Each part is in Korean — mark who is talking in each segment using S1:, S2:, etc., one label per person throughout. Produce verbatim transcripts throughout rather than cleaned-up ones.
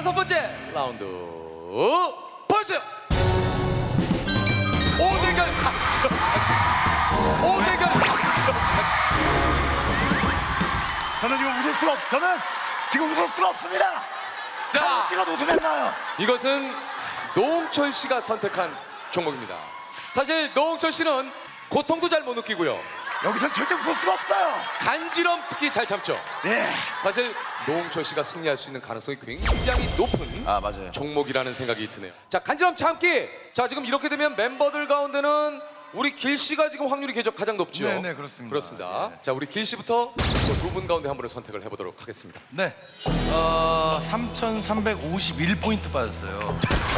S1: 다섯 번째 라운드 보여주세요. 오대결 박지영 오대결 박지영
S2: 저는 지금 웃을 수가 없. 저는 지금 웃을 수가 없습니다.
S1: 자,
S2: 찍어도 웃으면 나요.
S1: 이것은 노홍철 씨가 선택한 종목입니다. 사실 노홍철 씨는 고통도 잘 못 느끼고요.
S2: 여기서 절대 웃을 수가 없어요.
S1: 간지럼 특히 잘 참죠.
S2: 예.
S1: 사실 노홍철 씨가 승리할 수 있는 가능성이 굉장히 높은
S2: 아 맞아요.
S1: 종목이라는 생각이 드네요. 자, 간지럼 참기. 자, 지금 이렇게 되면 멤버들 가운데는 우리 길 씨가 지금 확률이 가장 높죠.
S2: 네, 네, 그렇습니다.
S1: 그렇습니다.
S2: 네.
S1: 자, 우리 길 씨부터 두 분 가운데 한 분을 선택을 해보도록 하겠습니다.
S2: 네. 어 삼천삼백오십일 포인트 빠졌어요.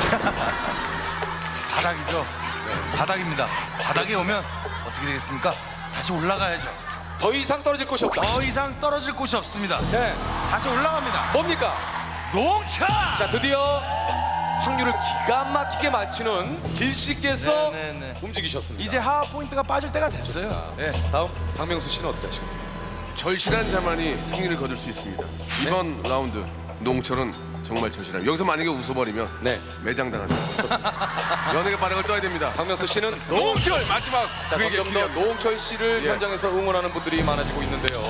S2: 바닥이죠. 네, 바닥입니다. 바닥에 오면 어떻게 되겠습니까? 다시 올라가야죠.
S1: 더 이상 떨어질 곳이 없다.
S2: 더 이상 떨어질 곳이 없습니다.
S1: 네,
S2: 다시 올라갑니다.
S1: 뭡니까?
S2: 농차!
S1: 자, 드디어 확률을 기가 막히게 맞추는 길 씨께서
S2: 네, 네, 네.
S1: 움직이셨습니다.
S2: 이제 하하 포인트가 빠질 때가 됐어요. 네.
S1: 다음 박명수 씨는 어떻게 하시겠습니까?
S3: 절실한 자만이 승리를 거둘 수 있습니다. 이번 라운드 농철은 정말 절실한. 여기서 만약에 웃어버리면
S1: 네,
S3: 매장당한다. 연예계 바닥을 떠야 됩니다.
S1: 박명수 씨는
S3: 농철 마지막
S1: 자,
S3: 그에게
S1: 점점 더
S3: 기회합니다.
S1: 노홍철 씨를
S3: 예.
S1: 현장에서 응원하는 분들이 많아지고 있는데요.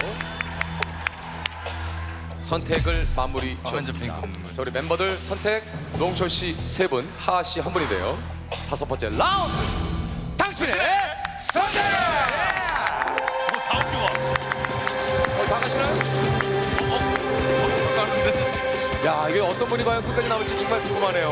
S1: 선택을 마무리
S2: 아, 완전
S1: 지었습니다.
S2: 핑크 없는 거죠.
S1: 자, 우리 멤버들 선택 노홍철 씨 세 분, 하하 씨 한 분인데요. 다섯 번째 라운드 당신의 선택!
S2: 다음 주가.
S1: 어, 다 가시나요? 야, 이게 어떤 분이 과연 끝까지 남을지 정말 궁금하네요.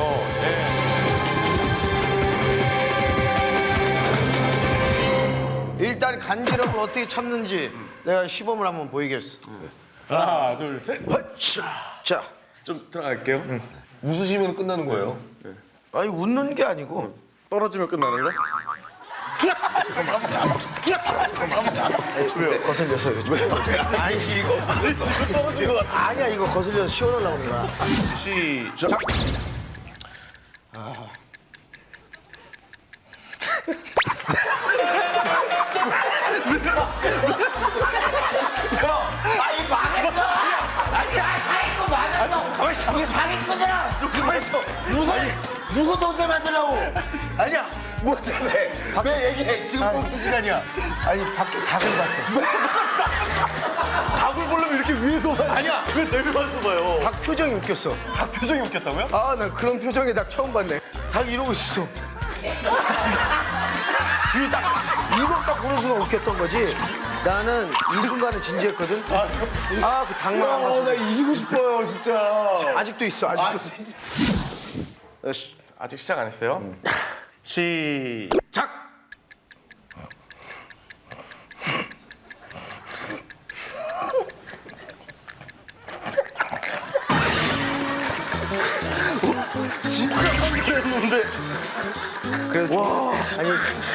S1: 네.
S4: 일단 간지럼을 어떻게 참는지 내가 시범을 한번 보이겠어.
S5: 하나, 둘, 셋.
S4: 자,
S5: 좀 들어갈게요. 웃으시면 끝나는 거예요.
S4: 아니 웃는 게 아니고
S5: 떨어지면 끝나는 거?
S4: 왜요? 거슬려서 왜? 아니 이거 떨어진 거 같아. 아니야 이거 거슬려서 시원하려고 그런 거야.
S5: 시작.
S4: 아니 망했어. 아니 사기꾼 망했어. 가만 있어. 이게 사기꾼이야. 좀 가만 있어. 누가 누구 동생 만들라고? 아니야. 뭐 때문에? 왜 얘기해? 지금 꼭두 시간이야. 아니 밖에 닭을 봤어.
S5: 닭을 보려면 이렇게 위에서 봐야
S4: 아니야.
S5: 왜 내려와서 봐요?
S4: 닭 표정이 웃겼어.
S5: 닭 표정이 웃겼다고요?
S4: 아, 나 그런 표정의 닭 처음 봤네. 닭 이러고 있어. 이거 딱, 이거 딱 보는 순간 웃겼던 거지. 나는 이 순간에 진지했거든. 아, 그 닭만 안 봤어.
S5: 나 이기고 싶어요, 진짜.
S4: 아직도 있어, 아직도.
S5: 아직 시작 안 했어요? 시작. 진짜 성공했는데.
S4: 그래도 와, 아니.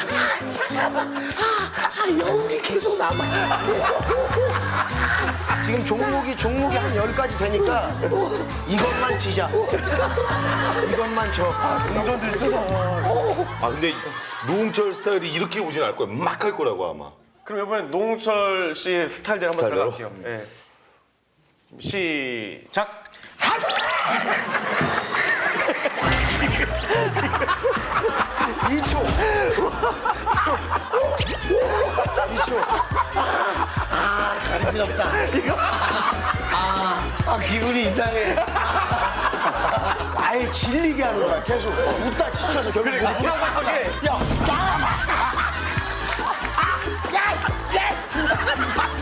S4: 아, 여운이 계속 남아. 지금 종목이 종목이 한 열 가지 되니까 이것만 지자. 이것만 져.
S5: 운전도 있잖아.
S6: 아 근데 노홍철 스타일이 이렇게 오진 않을 거야. 막 할 거라고 아마.
S5: 그럼 이번엔 노홍철 씨의 스타일대로 한번
S6: 스타일대로?
S5: 들어갈게요. 예. 시작.
S4: 이 초. 이 초. 아, 간지럽다. 이거. 아, 아, 기분이 이상해. 아예 질리게 하는 거야, 계속. 웃다 지쳐서 결국. 그래,
S5: 이상하게.
S4: 야, 나가봤어. 야, 야.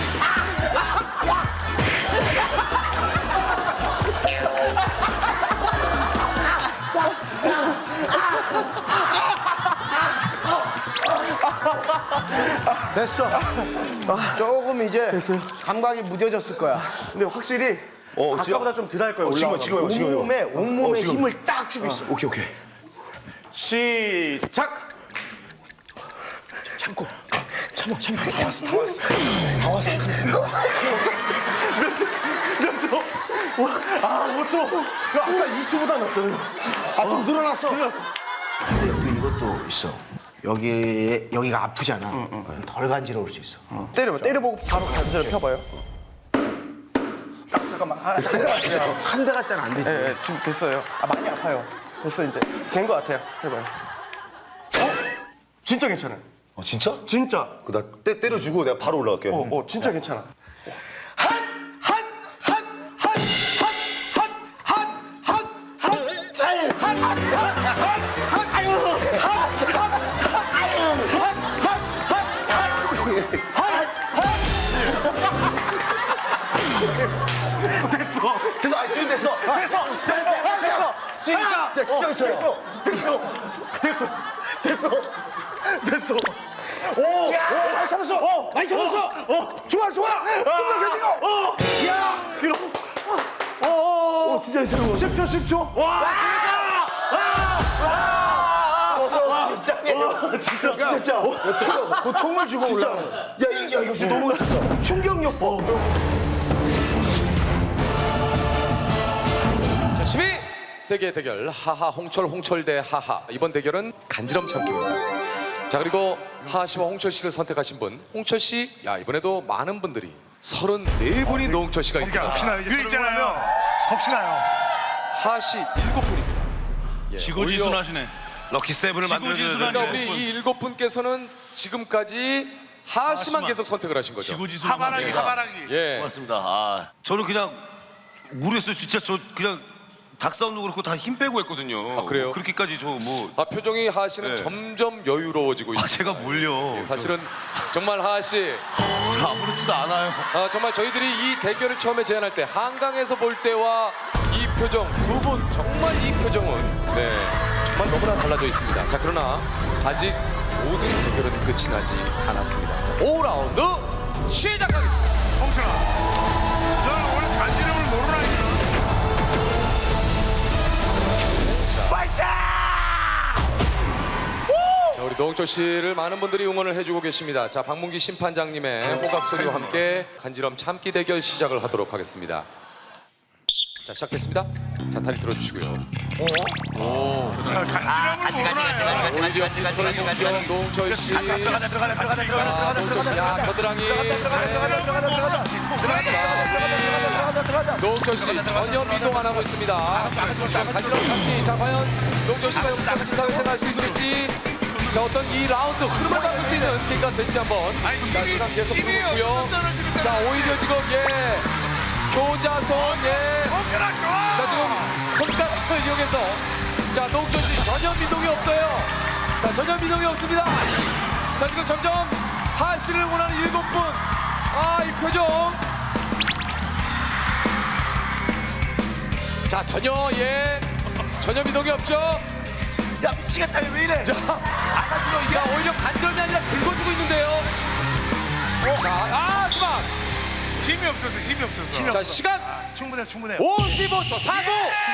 S4: 됐어. 아, 조금 이제 감각이 무뎌졌을 거야.
S5: 근데 확실히
S6: 어,
S5: 아까보다 좀 덜 할 거예요.
S6: 어, 지금
S5: 올라가면.
S6: 지금 해봐, 지금 해봐.
S4: 온몸에 온몸에
S6: 어, 지금.
S4: 힘을 딱 주고 있어.
S6: 오케이 오케이.
S5: 시작.
S4: 참고. 참아, 참아. 다 왔어, 다 왔어. 다 왔어.
S5: 아, 오 초. 아까 이 초보다 낫잖아요.
S4: 아, 좀 늘어났어. 근데 또 이것도 있어. 여기 여기가 아프잖아. 덜 간지러울 수 있어.
S5: 때려봐. 때려보고 바로 관절을 펴봐요. 딱, 잠깐만.
S7: 잠깐만. 아, 한 대 같아요.
S4: 한 대 같잖아 안 되지.
S7: 예, 예, 지금 됐어요. 아, 많이 아파요. 됐어, 이제. 된 것 같아요. 해봐요. 어? 진짜 괜찮아요.
S6: 어, 진짜?
S7: 진짜.
S6: 그나 때려주고 내가 바로 올라갈게.
S7: 어, 어, 진짜 괜찮아.
S6: 됐어. 아, 지금 됐어. 됐어. 됐어. 됐어. 진짜. 자, 진짜 됐어. 됐어. 됐어. 됐어. 됐어. 오, 오, 많이 잡았어. 어, 많이 잡았어. 어, 좋아, 좋아. 좀더 견디고. 어, 야, 이러. 어, 어, 어, 진짜 괜찮아. 십 초, 십 초. 와, 와, 진짜. 진짜, 진짜. 고통을 주고 올라. 야, 이- 야, 이거 진짜 너무 충격력 봐.
S1: 자, 십이 세계 대결 하하 홍철 홍철 대 하하. 이번 대결은 간지럼 참기입니다. 자, 그리고 하하 씨와 홍철 씨를 선택하신 분 홍철 씨. 야, 이번에도 많은 분들이 서른네 분이 노홍철 씨가 있습니다.
S2: 이거 있잖아요. 겁시나요.
S1: 하하 씨 일곱 분입니다. 예,
S2: 지고지순하시네. 럭키 세븐을 만들어줘야
S1: 그러니까
S2: 돼.
S1: 우리 이 일곱 분께서는 지금까지 하하 씨만
S2: 씨만.
S1: 계속 선택을 하신 거죠.
S2: 지고지순 하바라기 하바라기.
S1: 예.
S8: 고맙습니다. 아, 저는 그냥 모르겠어요. 진짜 저 그냥 닭싸움도 그렇고 다 힘 빼고 했거든요.
S1: 아, 그래요?
S8: 뭐 그렇게까지 저 뭐
S1: 아, 표정이 하하 씨는
S8: 네.
S1: 점점 여유로워지고
S8: 아,
S1: 있습니다.
S8: 제가 뭘요?
S1: 예, 사실은 정말 하하 씨,
S8: 저 아무렇지도 않아요.
S1: 아, 정말 저희들이 이 대결을 처음에 제안할 때 한강에서 볼 때와 이 표정 두 분 정말 이 표정은 네 정말 너무나 달라져 있습니다. 자, 그러나 아직 모든 대결은 끝이 나지 않았습니다. 자, 오 라운드 시작하겠습니다.
S2: 홍철아, 너는 원래 간지럼을 모르라니까.
S1: 자, 우리 노홍철 씨를 많은 분들이 응원을 해주고 계십니다. 자, 박문기 심판장님의 호각 소리와 함께 간지럼 참기 대결 시작을 하도록 하겠습니다. 자, 시작됐습니다. 자, 다리 들어주시고요.
S2: 간지럼을 몰라요.
S1: 오히려 김철, 노홍철 씨. 자, 노홍철 씨, 야, 겨드랑이. 노홍철 씨 전혀 미동 안 하고 있습니다. 간지럼 참기. 자, 과연 노홍철 씨가 여기서 기사회생 할 수 있을지. 자, 어떤 이 라운드 흐름을 바꿀 수 있는 기회가 될지 한번. 자, 시간 계속 흐르고 있고요. 자, 오히려 지금 예 교자손 예. 자, 지금 손가락을 이용해서 자, 노홍철 씨 전혀 미동이 없어요. 자, 전혀 미동이 없습니다. 자, 지금 점점 하하 씨를 응원하는 일곱 분. 아, 이 표정. 자, 전혀 예 전혀 미동이 없죠.
S4: 야 미치겠다 왜 이래?
S1: 자, 자, 오히려 간절이 아니라 긁어주고 있는데요. 자, 아, 그만.
S2: 힘이 없어서 힘이 없어서.
S1: 자, 시간
S7: 충분해, 충분해.
S1: 오십오 초 사구.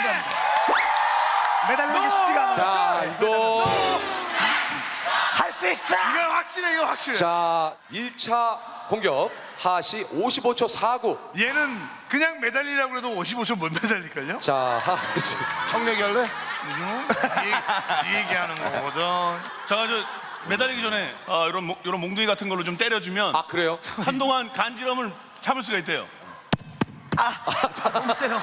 S7: 매달리기 쉽지가 않아.
S1: 자, 이거
S4: 할 수 있어.
S2: 이거 확실해, 이거 확실해.
S1: 자, 일 차 공격 하하 씨 오십오 초 사구.
S2: 얘는 그냥 매달리라고 해도 오십오 초 못 매달릴걸요?
S1: 자, 하하 씨.
S2: 청력이 할래? 이, 이 얘기하는 거거든.
S9: 제가 저 매달리기 전에 아, 이런 몽- 이런 몽둥이 같은 걸로 좀 때려주면
S1: 아, 그래요?
S9: 한동안 간지럼을 참을 수가 있대요.
S4: 너무 세요.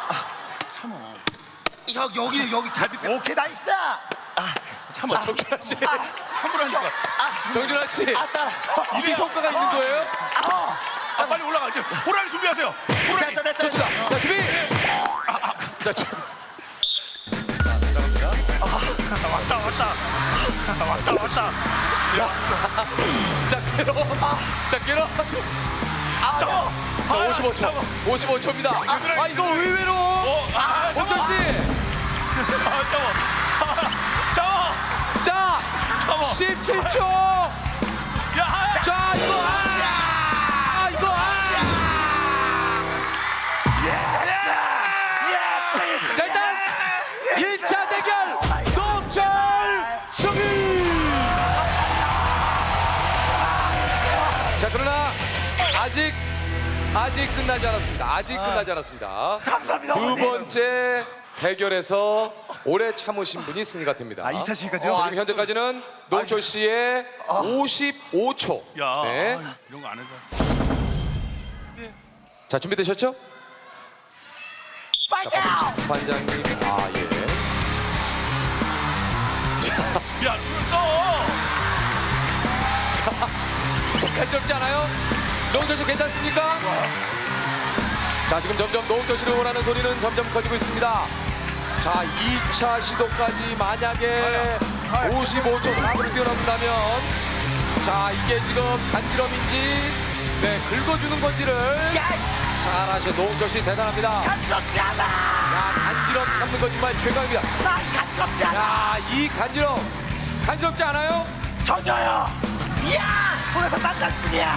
S4: 여 여기 여기 갈비. 오케이 나 있어.
S1: 자, 정준하 씨.
S9: 참으라니까.
S1: 정준하 씨.
S4: 아 따라.
S1: 이게 효과가 있는 거예요?
S9: 아, 빨리 올라가. 이제 호랑이 준비하세요. 호랑이.
S4: 됐어 됐어.
S1: 좋습니다. 자, 준비. 자, 주,
S9: 왔다 왔다. 왔다 왔다.
S1: 자, 괴로. 자, 괴로. 자, 오십오 초. 오십오 초입니다. 아, 이거 의외로. 홍철 씨.
S9: 아, 잡아. 잡아.
S1: 자,
S9: 잡아.
S1: 십칠 초.
S9: 야, 하야.
S1: 자, 이거. 아, 이거. 아. 자, 일단 일 차 대결 노홍철 승리. 자, 그러나 아직 아직 끝나지 않았습니다. 아직 끝나지 않았습니다.
S4: 감사합니다.
S1: 두 번째 대결에서 오래 참으신 분이 승리가 됩니다.
S7: 아, 이 차씩까지요?
S1: 지금 현재까지는 노홍철 씨의 오십오 초.
S9: 야,
S1: 네.
S9: 이런 거 안 해도.
S1: 자, 준비되셨죠? 반장님, 아 예.
S9: 야, 눈을 떠.
S1: 간지럽지 않아요? 노홍철 씨 괜찮습니까? 자, 지금 점점 노홍철 씨를 응원하는 소리는 점점 커지고 있습니다. 자, 이 차 시도까지 만약에 오십오 초 사분을 뛰어넘는다면, 자, 이게 지금 간지럼인지, 네, 긁어주는 건지를 잘 아셔. 노홍철 씨 대단합니다.
S4: 간지럽지 않아.
S1: 야, 간지럼 참는 거 정말 최강입니다.
S4: 난 간지럽지 않아.
S1: 야, 이 간지럼 간지럽지 않아요?
S4: 전혀요. 이야, 손에서 땀날 뿐이야.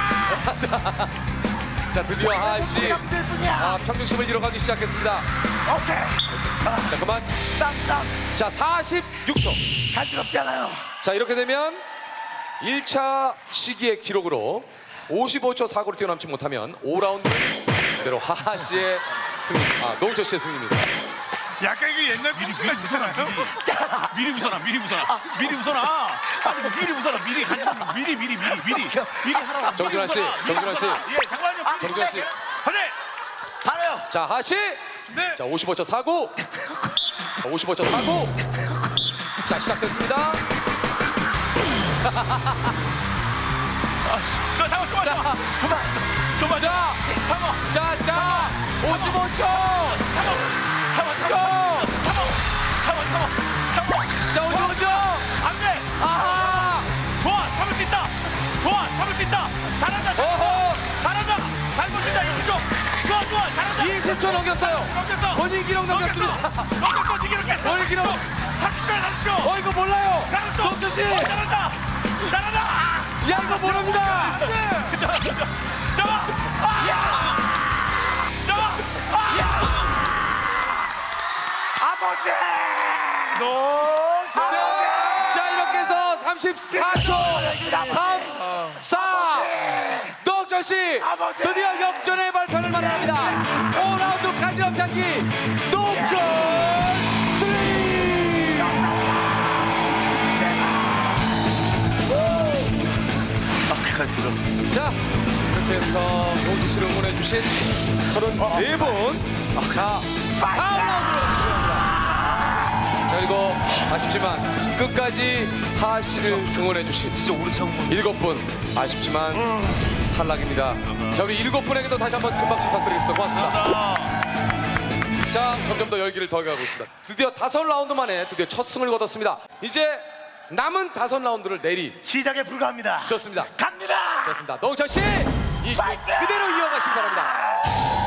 S1: 자, 드디어 하하 씨
S4: 땀날 뿐이야.
S1: 아, 평정심을 잃어가기 시작했습니다.
S4: 오케이.
S1: 자, 그만.
S4: 땀땀.
S1: 자, 사십육 초.
S4: 간지럽지 않아요.
S1: 자, 이렇게 되면 일 차 시기의 기록으로 오십오 초 사고를 뛰어넘지 못하면 오 라운드 그대로 하하 씨의 승리, 아, 노홍철 씨의 승리입니다.
S9: 약간 이게 옛날 미리 미리 웃어놔요. 미리 웃어놔, 미리 웃어놔, 미리 웃어놔. 아니, 미리 웃어놔, 미리 가지 마. 미리 미리 미리 미리 미리 하라고.
S1: 정준하 씨, 정준하 씨.
S9: 예, 잠깐만요.
S1: 정준하 씨.
S9: 하네.
S4: 잘해요.
S1: 자, 하하 씨.
S9: 네.
S1: 자, 오십오 초 사고. 자, 오십오 초 사고. 자, 시작됐습니다.
S9: 자, 잠깐, 잠깐, 잠깐.
S1: 그만.
S9: 잠깐,
S1: 자,
S9: 잠깐.
S1: 자, 자, 오십오 초.
S9: 참아, 참아,
S1: 고!
S9: 참아, 참아, 참아, 참아.
S1: 자, 오십오 초.
S9: 안 돼.
S1: 아하.
S9: 좋아, 참을 수 있다. 좋아, 참을 수 있다. 잘한다, 잘한다.
S1: 어허.
S9: 잘한다. 잘 버틴다, 이십 초. 좋아, 좋아, 잘한다.
S1: 이십 초 넘겼어요.
S9: 넘겼어.
S1: 본인 기록 넘겼습니다.
S9: 넘겼어, 네 기록 깼어.
S1: 본인 기록.
S9: 삼십 초야, 삼십 초.
S1: 어, 이거 몰라요.
S9: 잘했어.
S1: 노홍철 씨.
S9: 어, 잘한다. 잘한다.
S1: 야, 이거 모릅니다.
S9: 잡아, 잡아. 아! 잡아. 아!
S4: 아버지.
S9: 너.
S1: 자, 이렇게 해서 삼십사 초. 삼, 사. 노홍철 씨 드디어 역전의 발표를 마련합니다. 오 라운드 간지럼 장기 노홍철 승리. 자, 이렇게 해서 노홍철 씨를 응원해 주신 서른네 분. 자, 다음 라운드로 진출합니다. 자, 그리고 아쉽지만 끝까지 하하 씨를 응원해 주신
S8: 진짜 오래 참은 거.
S1: 일곱 분 아쉽지만 탈락입니다. 자, 우리 일곱 분에게도 다시 한번 큰 박수 부탁드리겠습니다. 고맙습니다. 자, 점점 더 열기를 더해가고 있습니다. 드디어 다섯 라운드 만에 드디어 첫 승을 거뒀습니다. 이제 남은 다섯 라운드를 내리.
S4: 시작에 불과합니다.
S1: 좋습니다.
S4: 갑니다.
S1: 좋습니다. 노홍철 씨, 이 그대로 이어가시기 바랍니다.